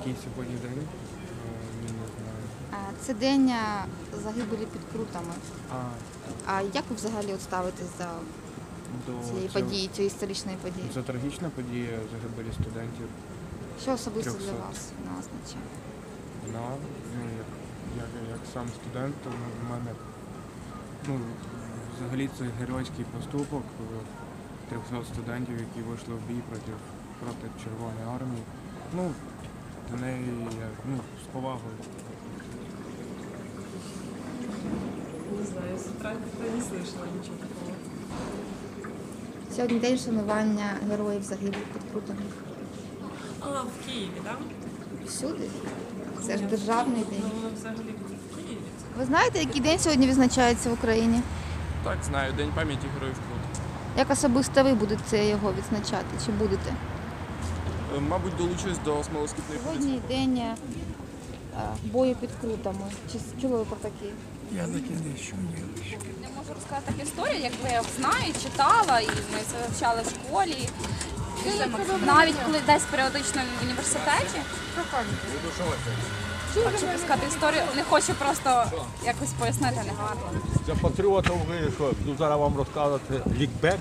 Який сьогодні день? Не знаю. Це день загибелі під Крутами. А, А як ви взагалі от ставитесь до цієї події, цієї історичної події? Це трагічна подія загибелі студентів. Що особисто 300. для вас вона означає? Вона, як сам студент, то в мене взагалі це геройський поступок 300 студентів, які вийшли в бій проти Червоної армії. До неї я з повагою. Не знаю, с утра как-то не слышала ничего такого. Сьогодні день шанування героїв загиблих під Крутами. В Києві, так? Всюди. Це ж державний день. Ну, воно взагалі в Києві. Ви знаєте, який день сьогодні відзначається в Україні? Так, знаю, День пам'яті Героїв Крут. Як особисто ви будете його відзначати? Чи будете? Мабуть, долучусь до смолоскипної Сьогодні день бою під Крутами. Чи чули ви про такий? Я таки не чув. Я можу розказати таку історію, якби я знаю, читала, і ми це вивчали в школі. Навіть коли десь періодично в університеті. Хочу розказати історію, не хочу просто якось пояснити негарно. Для патріотів ви що, буду зараз вам розказувати лікбек.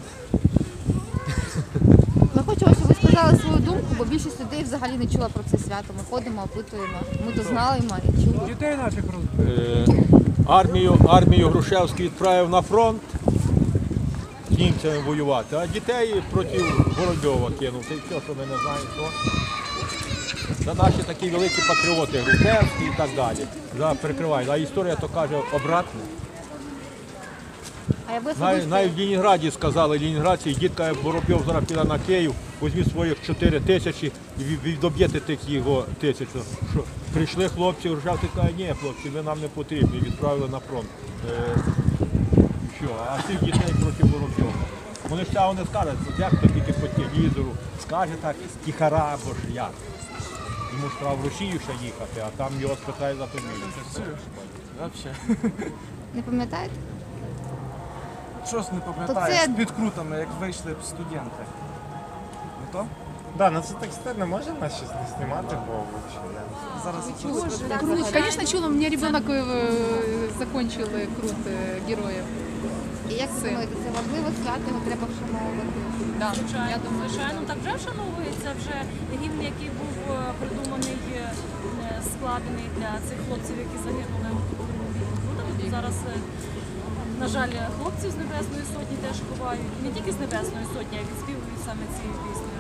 Ми хочемо, щоб ви сказали свою думку, бо більшість людей взагалі не чула про це свято. Ми ходимо, опитуємо. Ми то знаємо і чули. Дітей наших розбили. Армію Грушевський відправив на фронт з німцями воювати, а дітей проти Воробйова кинув. Це все, що ми не знаємо, що. Це наші такі великі патріоти, Грушевський і так далі. Прикривають. А історія то каже обратно. А ви особисто... Навіть в Ленінграді сказали, ленінградці, дітка Воробйов зараз піде на Київ, візьміть своїх 4 тисячі і відоб'єте тих його 1000. Що прийшли хлопці, Грушевський каже, ні, хлопці, ви нам не потрібні, відправили на фронт. Що, а цих дітей проти Воробйова. Вони ж цього не скажуть, як то тільки по телевізору. Скаже так, тихара або ж як. Йому ж треба в Росію ще їхати, а там його спитають за фамілію. Взагалі. Не пам'ятаєте? Щось не То пам'ятаю, це- з підкрутами, як вийшли б студенти. Не то? Так, це так стильно, може нас щось не знімати, бо Зараз Конечно, чула, у меня ребенок закончил Крут героев. І як ви думаєте, це важливо свято, його треба вшановувати? Да. Я думаю, що так вже вшановується, вже гімн, який був придуманий, складений для цих хлопців, які загинули в Крутах. Зараз, на жаль, хлопців з Небесної Сотні теж ховають. Не тільки з Небесної Сотні, а й відспівують саме ці пісні.